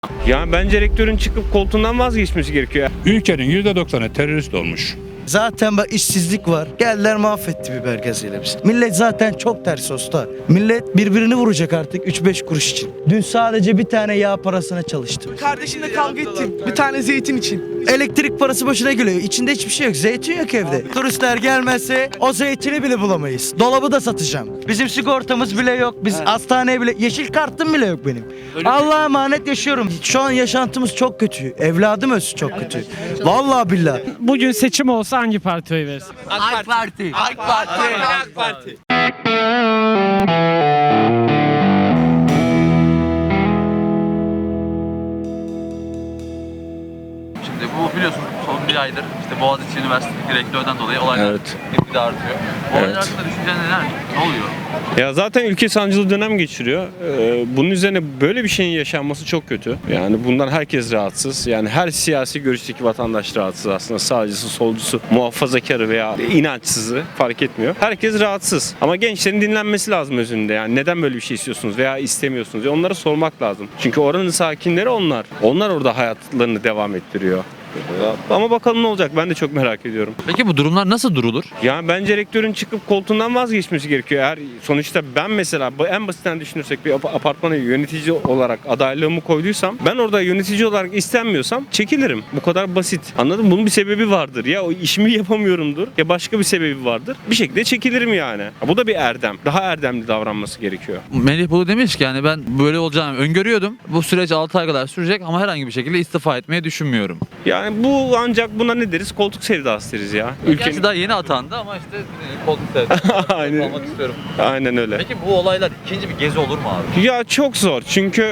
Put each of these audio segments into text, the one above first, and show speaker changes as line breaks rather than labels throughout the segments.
Yani bence rektörün çıkıp koltuğundan vazgeçmesi gerekiyor.
Ülkenin %90'ı terörist olmuş.
Zaten bak işsizlik var. Geldiler mahvetti biber gazıyla biz. Millet zaten çok ters usta. Millet birbirini vuracak artık 3-5 kuruş için. Dün sadece bir tane yağ parasına çalıştım.
Kardeşimle kavga ettim. Bir tane zeytin için.
Elektrik parası başına geliyor. İçinde hiçbir şey yok. Zeytin yok evde. Turistler gelmezse o zeytini bile bulamayız. Dolabı da satacağım. Bizim sigortamız bile yok. Biz hastaneye bile... Yeşil kartım bile yok benim. Allah'a emanet yaşıyorum. Şu an yaşantımız çok kötü. Evladım ölsün çok kötü. Vallahi billahi.
Bugün seçim olsa hangi partiye oy verirsin?
AK Parti. AK Parti.
AK Parti.
Şimdi bu biliyorsun son bir aydır işte Boğaziçi Üniversitesi'ndeki rektörden dolayı olaylar
Evet.
gitgide artıyor. Bu olaylar
Evet.
hakkında düşüncen neler? Ne oluyor?
Ya zaten ülke sancılı dönem geçiriyor. Bunun üzerine böyle bir şeyin yaşanması çok kötü. Yani bundan herkes rahatsız. Yani her siyasi görüşteki vatandaş rahatsız aslında. Sağcısı, solcusu, muhafazakarı veya inançsızı fark etmiyor. Herkes rahatsız. Ama gençlerin dinlenmesi lazım özünde. Yani neden böyle bir şey istiyorsunuz veya istemiyorsunuz? Onlara sormak lazım. Çünkü oranın sakinleri onlar. Onlar orada hayatlarını devam ettiriyor. Ama bakalım ne olacak, ben de çok merak ediyorum.
Peki bu durumlar nasıl durulur?
Yani bence rektörün çıkıp koltuğundan vazgeçmesi gerekiyor. Eğer sonuçta ben mesela en basitten düşünürsek bir apartmana yönetici olarak adaylığımı koyduysam, ben orada yönetici olarak istenmiyorsam çekilirim. Bu kadar basit. Anladın mı? Bunun bir sebebi vardır. Ya o işimi yapamıyorumdur ya başka bir sebebi vardır. Bir şekilde çekilirim yani. Bu da bir erdem. Daha erdemli davranması gerekiyor.
Melih Bulu demiş ki yani ben böyle olacağını öngörüyordum. Bu süreç 6 ay kadar sürecek ama herhangi bir şekilde istifa etmeyi düşünmüyorum.
Yani bu ancak buna ne deriz? Koltuk sevdası deriz ya.
Gerçi daha yeni atandı ama işte koltuk sevdim.
Aynen.
Olmak istiyorum.
Aynen öyle.
Peki bu olaylar ikinci bir gezi olur mu abi?
Ya çok zor çünkü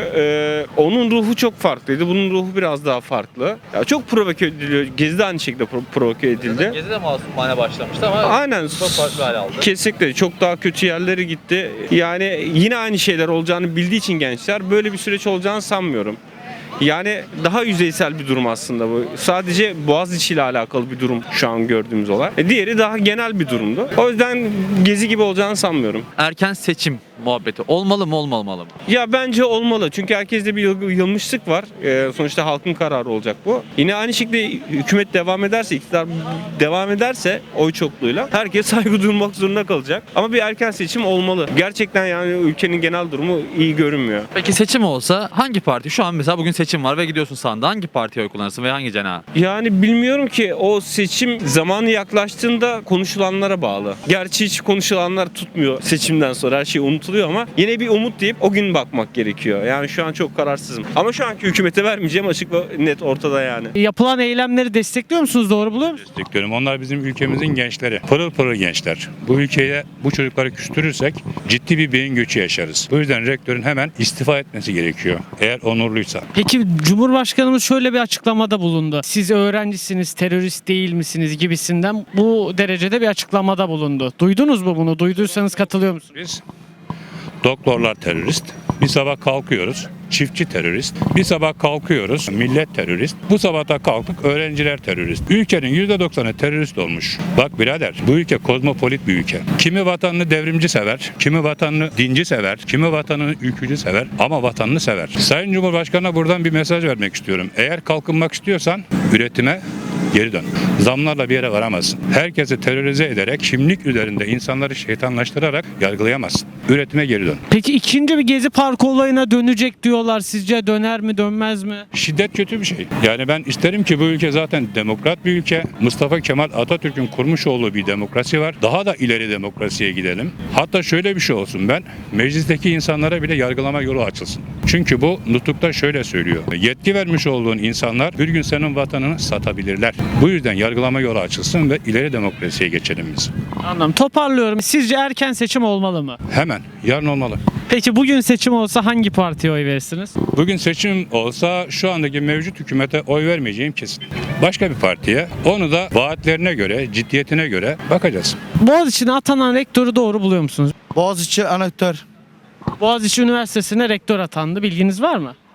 onun ruhu çok farklıydı. Bunun ruhu biraz daha farklı. Ya çok provoke ediliyor. Gezi de aynı şekilde provoke edildi.
Gezi de masumane başlamıştı ama
Aynen.
çok farklı hale aldı.
Kesinlikle çok daha kötü yerlere gitti. Yani yine aynı şeyler olacağını bildiği için gençler böyle bir süreç olacağını sanmıyorum. Yani daha yüzeysel bir durum aslında bu. Sadece Boğaziçi ile alakalı bir durum şu an gördüğümüz olay. Diğeri daha genel bir durumdu. O yüzden gezi gibi olacağını sanmıyorum.
Erken seçim muhabbeti olmalı mı olmamalı mı?
Ya bence olmalı. Çünkü herkeste bir yılmışlık var. Sonuçta halkın kararı olacak bu. Yine aynı şekilde hükümet devam ederse, iktidar devam ederse oy çokluğuyla herkes saygı duymak zorunda kalacak. Ama bir erken seçim olmalı. Gerçekten yani ülkenin genel durumu iyi görünmüyor.
Peki seçim olsa hangi parti? Şu an mesela bugün seçim var ve gidiyorsun sandığa hangi partiye oy kullanırsın ve hangi cenaha?
Yani bilmiyorum ki o seçim zamanı yaklaştığında konuşulanlara bağlı. Gerçi hiç konuşulanlar tutmuyor seçimden sonra her şey unutuluyor ama yine bir umut deyip o gün bakmak gerekiyor. Yani şu an çok kararsızım. Ama şu anki hükümete vermeyeceğim açık ve net ortada yani.
Yapılan eylemleri destekliyor musunuz? Doğru buluyor musunuz?
Destekliyorum. Onlar bizim ülkemizin gençleri. Pırıl pırıl gençler. Bu ülkeye bu çocukları küstürürsek ciddi bir beyin göçü yaşarız. Bu yüzden rektörün hemen istifa etmesi gerekiyor. Eğer onurluysa.
Peki Cumhurbaşkanımız şöyle bir açıklamada bulundu. Siz öğrencisiniz, terörist değil misiniz gibisinden bu derecede bir açıklamada bulundu. Duydunuz mu bunu? Duyduysanız katılıyor musunuz?
Biz doktorlar terörist. Bir sabah kalkıyoruz. Çiftçi terörist. Bir sabah kalkıyoruz. Millet terörist. Bu sabah da kalktık. Öğrenciler terörist. Ülkenin %90'ı terörist olmuş. Bak birader, bu ülke kozmopolit bir ülke. Kimi vatanını devrimci sever, kimi vatanını dinci sever, kimi vatanını ülkücü sever ama vatanını sever. Sayın Cumhurbaşkanı'na buradan bir mesaj vermek istiyorum. Eğer kalkınmak istiyorsan üretime geri dön. Zamlarla bir yere varamazsın. Herkesi terörize ederek, kimlik üzerinde insanları şeytanlaştırarak yargılayamazsın. Üretime geri dön.
Peki ikinci bir Gezi Parkı olayına dönecek diyorlar. Sizce döner mi dönmez mi?
Şiddet kötü bir şey. Yani ben isterim ki bu ülke zaten demokrat bir ülke. Mustafa Kemal Atatürk'ün kurmuş olduğu bir demokrasi var. Daha da ileri demokrasiye gidelim. Hatta şöyle bir şey olsun, ben meclisteki insanlara bile yargılama yolu açılsın. Çünkü bu nutukta şöyle söylüyor. Yetki vermiş olduğun insanlar bir gün senin vatanını satabilirler. Bu yüzden yargılama yolu açılsın ve ileri demokrasiye geçelim biz.
Anladım. Toparlıyorum. Sizce erken seçim olmalı mı?
Hemen, yarın olmalı.
Peki bugün seçim olsa hangi partiye oy verirsiniz?
Bugün seçim olsa şu andaki mevcut hükümete oy vermeyeceğim kesin. Başka bir partiye, onu da vaatlerine göre, ciddiyetine göre bakacağız.
Boğaziçi'ne atanan rektörü doğru buluyor musunuz?
Boğaziçi anahtar.
Boğaziçi Üniversitesi'ne rektör atandı. Bilginiz var mı?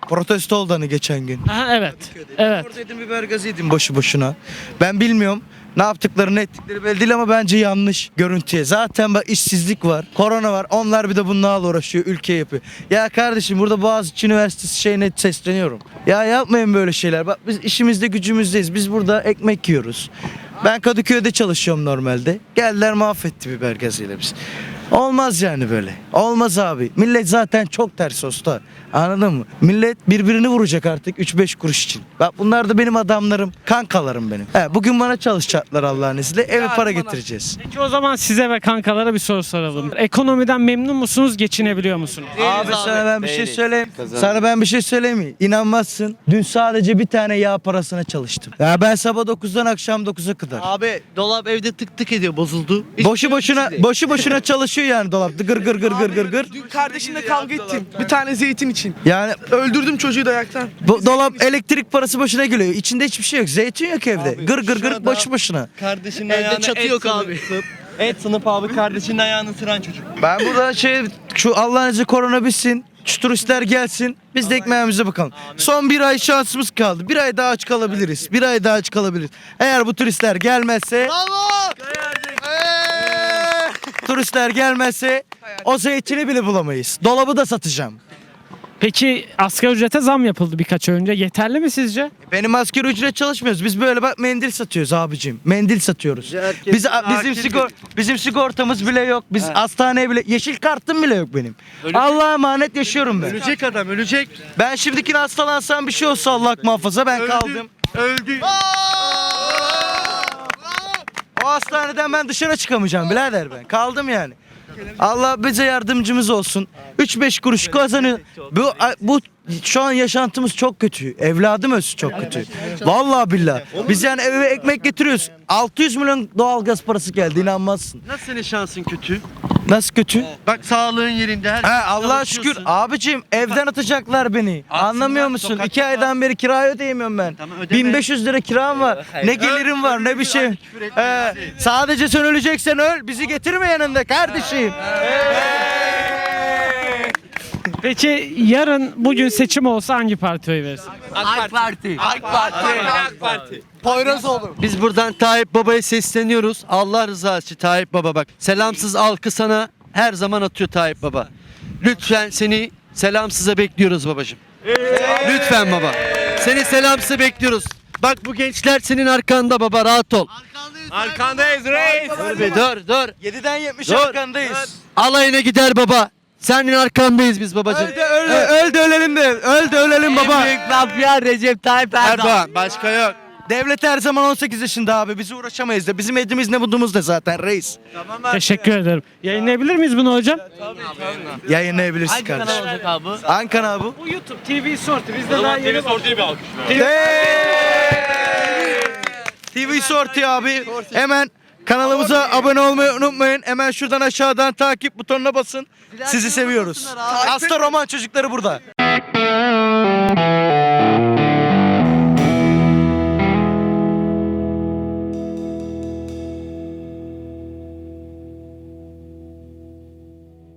Protesto oldu hani geçen gün.
Aha, evet. Evet.
Oradaydım, biber gazı yedim boşu boşuna. Ben bilmiyorum. Ne yaptıkları ne ettikleri belli değil ama bence yanlış görüntüye. Zaten bak işsizlik var, korona var. Onlar bir de bunlarla uğraşıyor, ülke yapıyor. Ya kardeşim burada Boğaziçi Üniversitesi şeyine sesleniyorum. Ya yapmayın böyle şeyler. Bak biz işimizde gücümüzdeyiz. Biz burada ekmek yiyoruz. Ben Kadıköy'de çalışıyorum normalde. Geldiler mahvetti biber gazıyla biz. Olmaz yani böyle. Olmaz abi. Millet zaten çok ters usta. Anladın mı? Millet birbirini vuracak artık 3-5 kuruş için. Bak bunlar da benim adamlarım. Kankalarım benim. Bugün bana çalışacaklar Allah'ın izniyle. Eve para getireceğiz.
Peki o zaman size ve kankalara bir soru soralım. Ekonomiden memnun musunuz? Geçinebiliyor musunuz?
Abi sana ben bir şey söyleyeyim. Sana ben bir şey söyleyeyim mi? İnanmazsın. Dün sadece bir tane yağ parasına çalıştım. Ya ben sabah 9'dan akşam 9'a kadar.
Abi dolap evde tık tık ediyor, bozuldu.
Boşu boşuna çalışıyor yani dolapta. Gır gır gır gır gır gır.
Dün kardeşimle kavga ettim. Bir tane zeytin için.
Yani
Öldürdüm çocuğu dayaktan.
bu dolap elektrik parası başına geliyor. İçinde hiçbir şey yok. Zeytin yok evde. Gır gır gır boşu boşuna.
Kardeşinin
Evde
ayağına
çatı
et
yok
sınıp-
abi.
Et sınıf abi kardeşinin ayağını ısıran çocuk.
Ben burada şu Allah'ın izniyle korona bitsin. Şu turistler gelsin. Biz de ekmeğimize bakalım. Son bir ay şansımız kaldı. Bir ay daha aç kalabiliriz. Bir ay daha aç kalabiliriz. Eğer bu turistler gelmezse... Turistler gelmezse o zeytini bile bulamayız. Dolabı da satacağım.
Peki asgari ücrete zam yapıldı birkaç ay önce. Yeterli mi sizce?
Benim asgari ücret çalışmıyoruz. Biz böyle bak mendil satıyoruz abicim. Mendil satıyoruz. Bizim sigortamız bile yok. Biz hastaneye bile yeşil kartım bile yok benim. Allah'a emanet yaşıyorum ben.
Ölecek adam ölecek.
Ben şimdikine hastalansam bir şey olsa Allah muhafaza ben kaldım.
Öldü.
O hastaneden ben dışarı çıkamayacağım birader ben. Kaldım yani. Allah bize yardımcımız olsun. 3-5 kuruş kazanıyor. Bu şu an yaşantımız çok kötü. Evladım ölsün çok kötü. Vallahi billahi. Biz yani eve ekmek getiriyoruz. 600 milyon doğalgaz parası geldi inanmazsın.
Nasıl senin şansın kötü?
Nasıl kötü?
Bak sağlığın yerinde her
He Allah'a şükür. Abicim evden atacaklar beni. Anlamıyor musun? 2 aydan beri kirayı ödeyemiyorum ben.
Tamam, ödeme.
1500 lira kiram var. Ne gelirim var ne bir şey. Sadece sen öleceksen öl. Bizi getirme yanında kardeşim.
Peki yarın bugün seçim olsa hangi partiye oy verirsin?
Biz buradan Tayyip Baba'ya sesleniyoruz. Allah rızası için Tayyip Baba bak. Selamsız alkı sana her zaman atıyor Tayyip Baba. Lütfen seni selamsıza bekliyoruz babacığım. Lütfen baba. Seni selamsıza bekliyoruz. Bak bu gençler senin arkanda baba rahat ol.
Arkandayız reis.
Dur be dur.
7'den 70
Dur.
arkandayız.
Alayına gider baba. Senin arkandayız biz babacığım.
Öl de ölelim de. Öl de ölelim baba.
mafya Recep Tayyip Erdoğan. Başka yok.
Devlet her zaman 18 yaşında abi. Bizi uğraşamayız da. Bizim edimiz ne budumuz da zaten reis.
Teşekkür ederim. Yayınlayabilir miyiz bunu hocam?
Yayınlayabilirsin kardeşim.
olacak abi?
Hangi kanal bu?
Bu YouTube TV Sortu. Biz de daha yeni
TV Sorti abi. Hemen kanalımıza abone olmayı unutmayın. Hemen şuradan aşağıdan takip butonuna basın. Sizi seviyoruz. Hasta roman çocukları burada.